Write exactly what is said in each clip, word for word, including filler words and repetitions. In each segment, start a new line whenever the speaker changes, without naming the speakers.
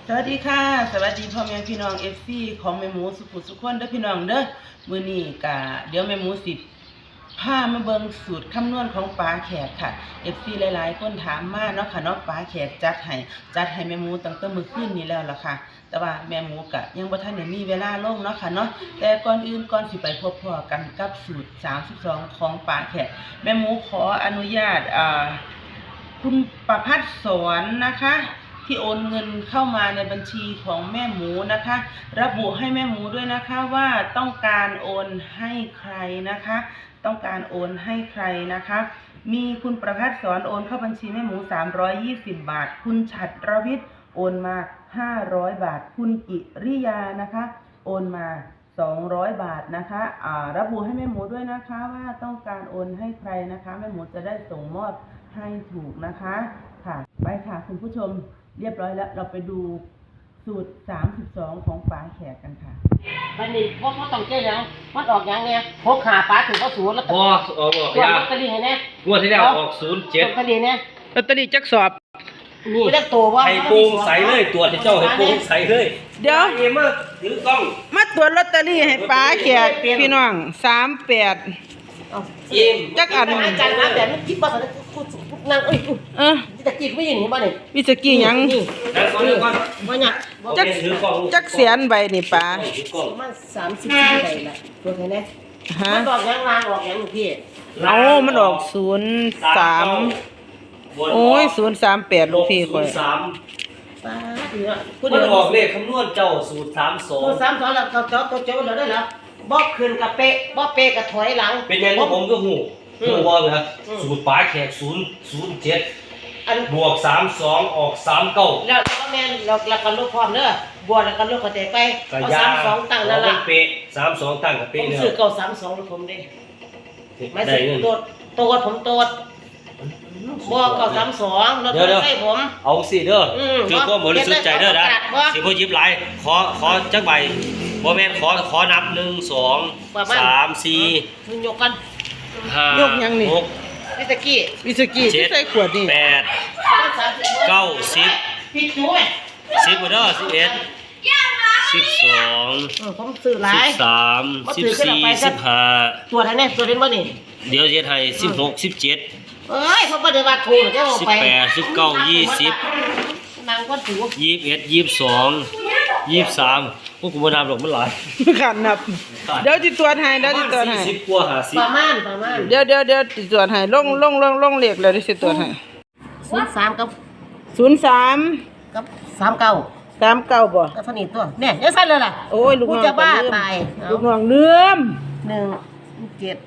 สวัสดีค่ะสวัสดีพ่อแม่พี่น้องเอฟซีของแม่หมูสุขุสุขคนเด้อพี่น้องเด้อมื้อนี้กะเดี๋ยวแม่หมูสิพามาเบิ่งสูตรคำนวณของป๋าแขกค่ะ เอฟ ซี หลายๆคนถามมาเนาะค่ะเนาะป๋าแขกจัดให้จัดให้แม่หมูตั้งแต่มื้อคืนนี้แล้วล่ะค่ะแต่ว่าแม่หมูกะยังบ่ทันได้มีเวลาลงเนาะค่ะเนาะแต่ก่อนอื่นก่อนสิไปพบพ่อกันกับสูตรสามสิบสองของป๋าแขกแม่หมูขออนุญาตอ่าคุณประภัสสอนนะคะที่โอนเงินเข้ามาในบัญชีของแม่หมูนะคะระบุให้แม่หมูด้วยนะคะว่าต้องการโอนให้ใครนะคะต้องการโอนให้ใครนะคะมีคุณประภัสสอนโอนเข้าบัญชีแม่หมูสามร้อยยี่สิบบาทคุณฉัตรวิทย์โอนมาห้าร้อยบาทคุณกิริยานะคะโอนมาสองร้อยบาทนะคะอ่าระบุให้แม่หมูด้วยนะคะว่าต้องการโอนให้ใครนะคะแม่หมูจะได้ส่งมอบให้ถูกนะคะค่ะไปค่ะคุณผู้ชมเรียบร้อยแล้วเราไปดูสูตรสามสิบสองของป๋าแขกกันค่ะ
วันนี้พวกเขาต้องเจ๊ยังมันออกยังไงพกหาป๋าถึงเขาศูนย์แล้ว
พอออกออก
ยาลอตเตอรี่ให้แน่
งวดที่แล้วออกศูนย์เจ็ด
ลอตเตอรี่เนี่ย
ลอตเตอรี่จักสอบ
นี่ได้ตัวว่า
ให้โปร่งใสเลยตรวจให้เจ้าให้โปร่งใสเลย
เดี๋ยว
เอ็มถือกล้อง
มาตรวจลอตเตอรี่ให้ป๋าแขกพี่น้องสามแปด
เอ็ม
จักอัน
อาจารย์นะแบบนี้คิดว่าสันนั่งเอ้ย
เออ
ตะกี้ไม่ยินเห็นบ้านี่
วิสกี้ยัง
แล้วก่อนแล้วก่อน
ว่าเนี่ย
จักจักเสียนใบนี่ป๋า
มันสามสิบสี่ใบละตัวไหนเนี่ยมันออกยังลางออกยังพี่
เอามันออกศูนย์สามโอ้ยศูนย์สามแปดลูกพี่คอย
สาม
ป๋าเนี่ย
มันออกเลขคำนวณเจ้าสูตรสามสอง
สูตรสามสองแล้วเจ้าตัวเจ้าเราได้แล้วบอกคืนกับเป๊ะบอกเป๊ะกับถอยหลัง
เป็นยังไงผมก็หูหูบอลนะสูตรป๋าแขกศูนย์ศูนย์เจ็ดบวกสามสองออกสามเก้า
แล้วก็แม่เราเรากันลูกพร้อมเด้อบวกแล้วกันลูกกระเตะไปเอาสามสองตั้งนั่นละ
เป๊ะสามสองตั้งกับเป๊ะ
เนี่ยผมซื้อเก่าสามสองแล้วผมได้ไม่ซื้อตัวตัวผมตัวบวกเก่าสามสองแล้วตัวใส่ผม
เอาสิเด้อคือก็บริสุทธิ์ใจเด้อนะสิพ่อยิบไหลขอขอจักใบบ่แม่นขอขอนับหนึ่งสองสามสี่
ยกกัน
ห้าย
กยังนี่
วิสกี้
วิสกี้ที่ใส่ขวดนี่
แปดเก้าสิบ
ผิดจุ้ย
สิบเด้อสิบเอ็ดสิบสอง
ผมซื้อหลาย
สิบสามสิบสี่สิบห้า
ตัวไหนเนี่ยตัวเล่นบ่นี่
เดี๋ยวเฮ็ดให้สิบหกสิบเจ็ด
เอ้ยเขาบ่ได้ว่าถูกจะเอาไป
สิบแปดสิบเก้ายี่สิบ
นางก็ถูก
ยี่สิบเอ็ดยี่สิบสองยี่สิบสามพวกกูบ่นับหรอกมันหลาย
ขันนับเดี๋ยวจิตรวจให้เดี๋ยวจิตรวจให้
สิบกว่าห้าสิบ
ประมาณประมาณ
เดี๋ยวเดี๋ยวเดี๋ยวจิตรวจให้ลงลงลงลงเลขเลยดิสิตรวจให้
ศูนย์สามกับ
ศูนย์สาม
กับสามเก้า
สามเก้าบ่
ก็สนิทตัวเนี่ยยังสั้นเลยล่ะ
โอ้ยลูกน้อง
จะบ้าตาย
ลูกน้องเลื่อม
หนึ่งเจ็ด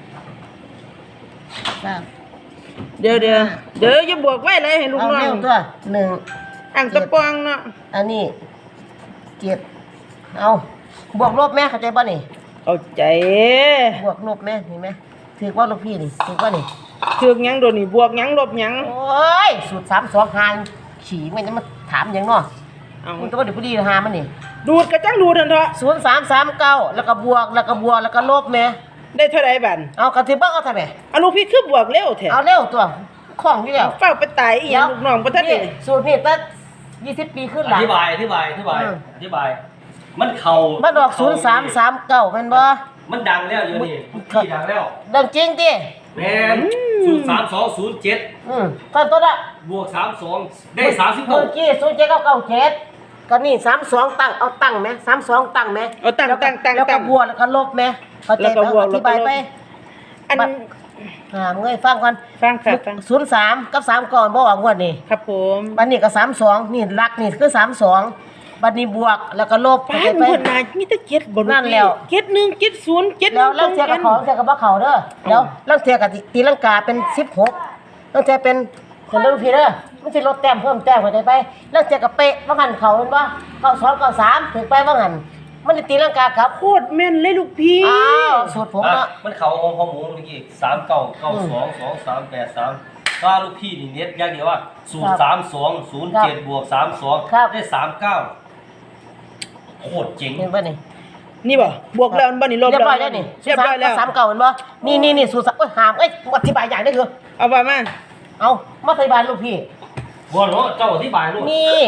สาม
เดี๋ยวเดี๋ยวเดี๋ยวจะบวกไว้เลยให้ลูกน้อง
เอาตัวหนึ่ง
อ่างตะปองเนาะ
อันนี้เจ็ดเอาบวกลบแม่เข้าใจป่ะนี่
เข้าใจ
บวกลบแม่เห็นไหมถือว่าลูกพี่นี่ถือว่านี่
ถือยังโดนนี่บวกยังลบยัง
โอ้ยสูตรสามสองหางขี่ไม่จะมาถามยังเนาะมันต้องเดี๋ยวพอดีหามันนี่
ดูดกระจังดูดนั่นเถอะ
ศูนย์สามสามเก้าแล้วก็บวกแล้วก็บวกแล้วก็ลบแม่
ได้เท่าไรบัน
เอากระถือบ้างเอาทำไม
เอาลูกพี่คือบวกเร็วแท้
เอาเร็วตัวของอยู่แล้ว
เฝ้าไปตายอีกลูกน้องประทัดนี่
สูตรนี่ตั้งยี่สิบปีขึ้นหลัง
อธิบายอธิบายอธิบายอธิบายมันเข่า
มันออกศูนย์สามสามเก้าเป็นบ่
มันดังแล้วอยู่นี่ที่ดังแล้ว
ดังจริงดิ
แม่ศูนย์สามสองศูนย์เจ็ด
อืมตอนต้นอะ
บวกสามสองได้สามสิบหก
เมื่อกี้ศูนย์เจ็ดเก้าเก้าเจ็ดก็นี่สามสองตั้งเอาตั้งไหมสามสองตั้งไหม
เอาตั้งตั้งตั้ง
แล้วก็บวกแล้วก็ลบไหมเขาใจอธิบายไป
อัน
อ่าเงยฟังก่อน
ฟังค่ะฟัง
ศูนย์สามกับสามก่อนบ่ว่างวดนี่
ครับผม
บัดนี้ก็สามสองนี่หลักนี่คือสามสองบัดนี้บวกแล้วก็ลบ
ไปไปมีแต่เจ็ดบน
นั่นแล้ว
เจ็ดหนึ่งเจ็ดศูนย์เจ็ด
แล้วลังเทียกับของเทียกับบ่เขาเด้อแล้วลังเทียกับตีลังกาเป็นสิบหกลังเทียเป็นคนเด้อพี่เด้อมันสิลดแต้มเพิ่มแต้มเข้าใจไปลังเทียกับเป๊ะว่าหันเขาเห็นบ่เก้าสองเก้าสามถึงไปว่าหันมันตีลังกาครับ
โคตรแม่นเลยลูกพี่
อ้าวสูตรผมเนาะ
มันเข่าของของหมูเมื่อกี้สามเก้าเก้าสองสองสามแปดสามก็ลูกพี่นี่เน็ตอย่างเดียวว่าศูนย์สามสองศูนย์เจ็ดบวกสามสองได้สามเก้าโคตรเจ๋ง
เห็นป่ะนี่
นี่บ่บวกแล้วมันบ่นี่ลบแล้ว
เรียบร้อยแล้วนี่เรียบร้อยแล้วสามเก้าเห็นบ่นี่นี่นี่สูตรโอ้ยหามเอ้ยอธิบายอย่างได้คือ
เอาไปมา
เอามาอธิบายลูกพี่
บวกเนาะเจ้าอธิบายลูก
นี่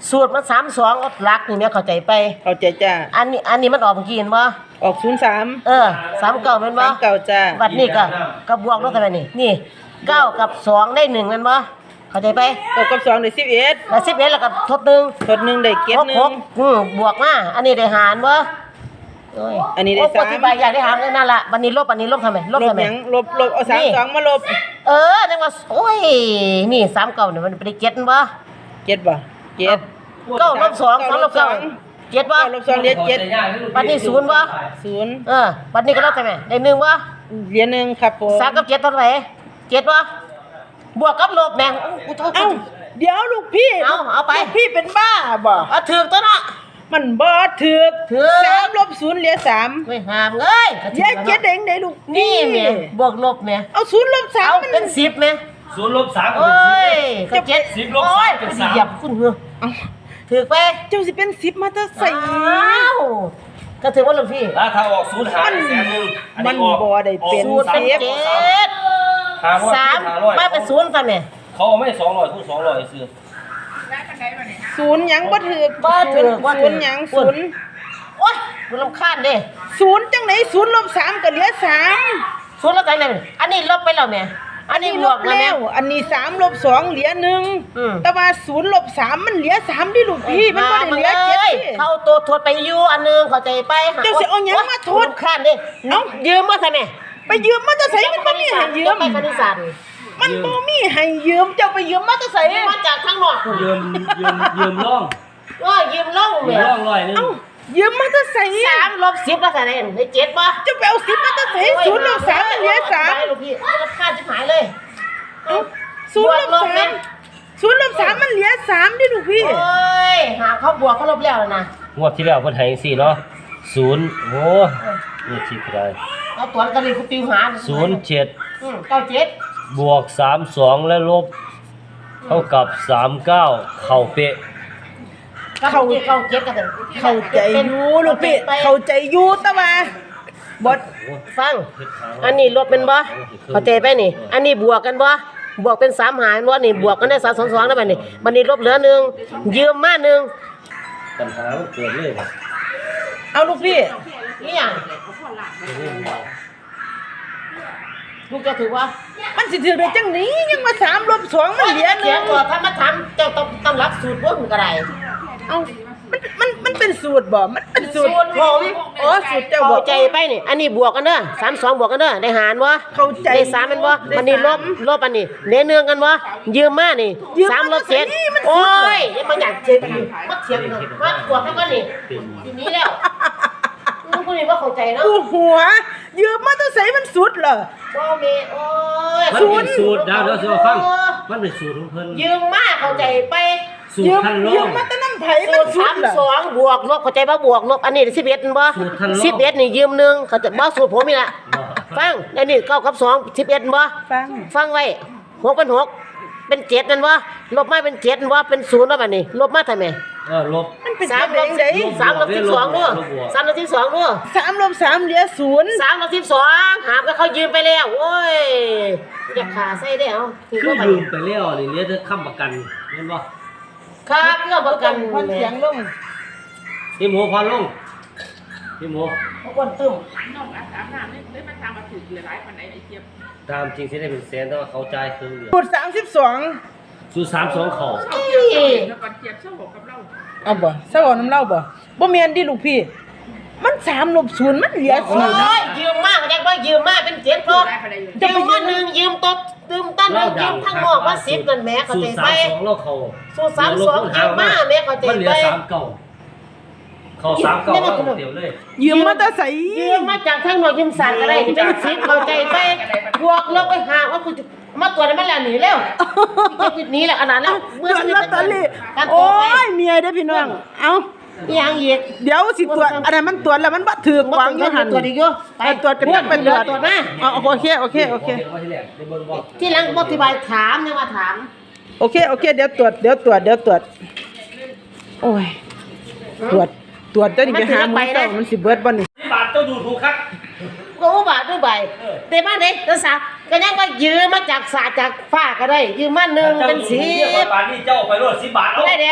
สูตรมันสามสองอดหลักนี่แม่เข้าใจไป
เข้าใจจ้า
อันนี้อันนี้มันออกเมื่อกี้เห็นบ่
ออกศูนย์สาม
เออสามเก้าแม่นบ่
สามเก่าจ้า
บัดนี้ก็ก็บวกลบกันไปนี่นี่เก้ากับสองได้หนึ่งแม่นบ่เข้าใจไป
เก้ากับสองได้สิบเอ็ด
แล้วสิบเอ็ดแล้วก็ทดหนึ่ง
ทดหนึ่งได้เก็ด
หก
หนึ่
ห
ง
กอืมบวกมาอันนี้ได้หารบ่โอ้ย
อันนี้ได้
โย
สาม
อธิบายอยากได้หารก็นั่นล่ะบัดนี้ลบอันนี้ลบทำไมลบ
ลบ
ทำไม
หยังลบลบเอาสาม
นี่
สองมาลบ
เออจังว่าโอ้ยนี่สามเก้าเนี่ยมันไปได้เจ็ดบ่
เจ็ดบ่เจ็ด
เก้าลบสองสองลบเก้าเจ็ดบ่
เก้าลบสองเหลือเจ็ด
บัดนี้ศูนย์บ่
ศูนย์
เออบัดนี้ก็ลบทำไมได้หนึ่งบ่
เหลือหนึ่งครับผม
สามกับเจ็ดเท่าไหร่เจ็ดบ่บวกกับลบแม่งอู้กูโทษ
เอ้าเดี๋ยวลูกพี่
เอาเอาไป
ลูกพี่เป็นบ้าบ่
เอาถือตัวเนาะ
มันบ่ถึก
ถึก
สามลบศูนย์เหลือสาม
ไม่หามเอ้ย
เหลือเจ็ดเองได้ลูก
นี่แม่บวกลบแม่
เอาศูนย์ลบสาม
เอา
มัน
เป็นสิบแม่
ศูนย์ลบสามก็
โอ้
เป็นสิบเลย
ยก็เจ็ด
สิบลบ
โอ้ย
สามเป็นสาม
เหยียบคุณเหรอ
เอา
ถือไป
เจ้าสิเป็นสิบมาแตะใส่
อ้าวก็ถือว่าหลวงพี่
แล้วถ้าออกศูนย์หารแสนหนึ่งอั
มัน
ออก
บ่ได้เป็น
อ
สู
อก
ตรเป็น
สาม
เจ็ด
หารร้อย
สาม
หารร้อย
มาเป็นศูนย์ค่ะแม่
เขาเอาไม่สองร้อยคูณสองร้อยซื้อ
ศูนย์หยังบ่ถึก
บ่ถือว่า
ศูนย์หยังศูนย์
โอ้ยกูรำคาญเด้
ศูนย์จังไหนศูนย์ลบสามก็เหลือสาม
ศูนย์แล้วกันเลยอันนี้ลบไปแล้วแม่อันนี้บวกแล้วแม่
อันนี้สามลบสองเหลือหนึ่ง
อืม
แต่ว่าศูนย์ลบสามมันเหลือสามดิลูกพี่มันบ่ได้เหลือเจ็ด
มา
ดิ
เข้าตัวทดไปอยู่อันหนึงเข้าใจไป
เจ้าสิเอาหยังมาโทษ
กูรำคาญเด้เอ้ายืมมาใช่ไหม
ไปยืมมาจะใส่มันบ่มีให้ยืม
ไปคณิตศาสตร์
มันบ่มีให้ยืมเจ้าไปยืมมาจะใส่
มาจากข้างนอกคุณ
ยืมยืมยืมร่อง
ว่ายืมล่อง
ยื
แม่
มร่องร้อยหนึง
เอ้ายืมมาจะใส่
สามลบสิบแล้วใส่ได้ได้เจ็ดป่ะ
เจ้าไปเอาสิบมาจะใส่ศูนย์ลบสามมันเหลือสาม
ไปลูกพี่รำคาญชิบหายเลย
เอ้าศูนย์ลบสามศูนย์ลบสามมันเหลือสามดิลูกพี่
โอ้ยหาเขาบวกเขาลบแล้วนะ
งวดที่แล้วเพิ่นให้จังซี่เนาะศูนย์โอ้นี่สิได้
เอาตัวกันเลยคุณติวหา
ศูนย์เจ็ด
อืมเก้าเจ็ด
บวกสามสองและลบเท่ากับสามเก้าเข้าเป๊ะ
เข้าเก้าเจ็ดกันเลย
เข้าใจอยู่ลูกพี่เข้าใจอยู่แต่ว่าบด
ฟัง อันนี้ลบเป็นบ่เข้าใจไปนี่ อันนี้บวกกันบ่บวกเป็นสามหารบ่นี่บวกกันได้สามสองสองได้ป่ะนี่บันนี้ลบเหลือหนึ่งยืมมาหนึ่ง
ปัญหามันเกิดเลย
เอาลูกพี่
นี่อย่างลูกจะถือว่า
มันสิถือได้จังนี้ยังมาสามลบสองมันเหลือห
เสี
นึ่
ย
ง
งก่อนถ้ามาทำเจ้าต้องต้องรับสูตรพวกมันก็ได้
เอามันมันมันเป็นสูตรบ่มันเป็นสูตร
สูตรผม
อ๋อสูตรเจ้าบ่
เข้าใจไปนี่ อันนี้บวกกันเด้อสามสองบวกกันเด้อได้หารวะ
เข้าใจ
ได้สามเป็นวะอันนี้ลบลบอันนี้เนื้อเนืองกันวะยืมมานี่
ยืมมา
สามลบเจ็ด
นี่มันสุ
โอ้
ดเลย
ยยังมาอยากเจ็บอยู่มาเถียงกันมาตรวจเท่ากันนี่ทีนี้แล้วมึงคนนี้ว่าเข้าใจเนาะ
กูหัว ยืมมาต้องใส่มันสุดเหรอ
บ่เมโอ้ย
มันเป็นสูตรดาวเดี๋ยวสิมาฟังมันเป็นสูตรของเพิ่น
ยืมมาเข้าใจไป
สูต
ยื
ร
ม
ทันล
ยื
อ
ม
ง
มาแต่น้ำไผ่
สู
มัน
ตร
สุ
สา
ด
ม
เหรอ
สองบวกลบเข้าใจป่ะบวกลบอันนี้สิบเอ็ดบ่
สูตรทันลบ
สิบเอ็ดนี่ยืมหนึ่งเขาจะบ่สูตรผมนี่ล่ะฟังอันนี้เก้ากับสองสิบเอ็ดบ่
ฟัง
ฟังไว้หกเป็นหกเป็นเจ็ดนั่นบ่ลบมาเป็นเจ็ดนั่นบ่เป็นศูนย์แล้วบัดนี้ลบมาทำไม
เออลบ
มันเป็น
สาม
จั
ล
ง
บ
ได
สามลบสิบสองด้วยสามลบสิบสองด้วย
สามลบสามเหลือศูนย์
สามลบสิบสองหามก็เขายืมไปแล้วโอ้ยอยากขาใส่ได้เอาคือ
คือ
ว่าบัด
ยื
นี้
มไปแล้วนี่เหลือแต่ค้ำประกันเห็นบ่
ครับเพื่อประกัน
พันเสียงลง
พี่หมูพอลงพี่หมู
เขาคนตึ้ม
น้องอาสามน้ำนี่ได้มาทำมาถึงหลายปันไหนไอ้เจี๊ยบ
ตามจริงสิได้เป็นแสนแต่ว่าเขาจ่ายครึ่งเดียว
สูตรสามสิบสอง
สูตรสามสองเขา
เอาเจี๊ยบเจ้าเองแล้วก่อนเจี๊ยบเจ้าหกกับเรา
เอาบ่เศร้าเอาน้ำเล่าบ่บ่เมียนดิลูกพี่ มันสามลบศูนย์มันเหลือศูนย์
โอ้ยยืมมากแจ็คว่ายืมมากเป็นเจ็ดพอ
ได้ปันไหนอยู่
ยืมมาหนึ่งยืมตบยืมตั้นหนึ่งยืมทั้งหมดว่าสิบนั่นแหม่เข้า
สู
ใจ
ตรสา
ไป
มสองเราเขา
สูตรสามสองยืมมาแม่เข้าใจ
มันเหลื
ไป
อสามเก่าเขาสามเก่าเราเดียวเลย
ยืมมาแต่ใส่
ยืมมาจากทั้งหมดยืมสั่งอะไรเป็นสิบเข้าใจไปบวกลบไปหาว่าคุณมาตรวจได้มาแล้วหนีแล้วจุดนี้แหละขนาดนั้น
เมื่อลอตเตอรี่
การตร
โอ้
วจไป
ยเมียเด้อพี่น้อง เอ้า
ยังอีก
เดี๋ยวสิตรวจอันนั้นมันตรวจแล้วมันบ่ถือกวางอยู่หั่น
ตรวจอีกอยู่
ไปตรวจกันจักเป็น
ต
ต
ร
ร
ว
ว
จ
จ
ตรวจมา
อ๋อโอเคโอเคโอเค
ที่หลังอธิบายถามยังมาถาม
โอเคโอเคเดี๋ยวตรวจเดี๋ยวตรวจเดี๋ยวตรวจโอ้ยตรวจตรวจจะนี่ไปหาหมอเจ้ามันสิเบิดบ่นี่
ที่บาทเจ้าดูถูกครับ
ก็อุบาทด้วยใบแต่มาไหนภาษาก็ยังว่ายืมมาจากสาจากฟ้าก็ได้ ยืมมาหนึ่งเป็นสี
บาทนี่เจ้าไปรถสิบบาทเอา
ได้แดง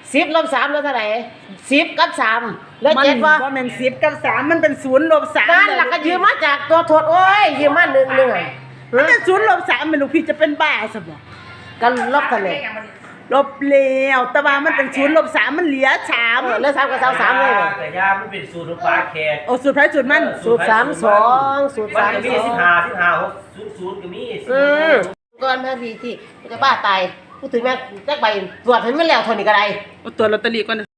สิบลบสามแล้วเท่าไหร่สิบกับสามแล้ว
มัน
เจ็ดว่า
บ่แม่นสิบกับสามมันเป็นศูนย์ลบสาม
นั่นหลักก็ยืมมาจากตัวทวดโอ้ยยืมมาหนึ่งหนึ่ง
มันเป็นศูนย์ลบสามแม่ลูกพี่จะเป็นบ้าซะบ่
กันลบกันเลย
ลบแล้วแต่ว่ามันเป็นศูนย์ลบสามมันเหลือสาม
เออแล้วสามกับสามสามเลย
แต่ยามันเป็นสูตรของปลาแขก
โอ้สูตรไผสูตรมัน
สูตรสามสองสูตร
มัน
สาม
ก็
ส
มี
อง
สิบห้าสิบห้าหกศูนย์ศูนย์ก็มี
อืมก่อนแม่พี่ที่จะบ้าตายพูดถึงแม่แจ็คใบตรวจให้มันแล้วเทนนี้ก็ได้
เอาตัวลอตเตอรี่ก่อน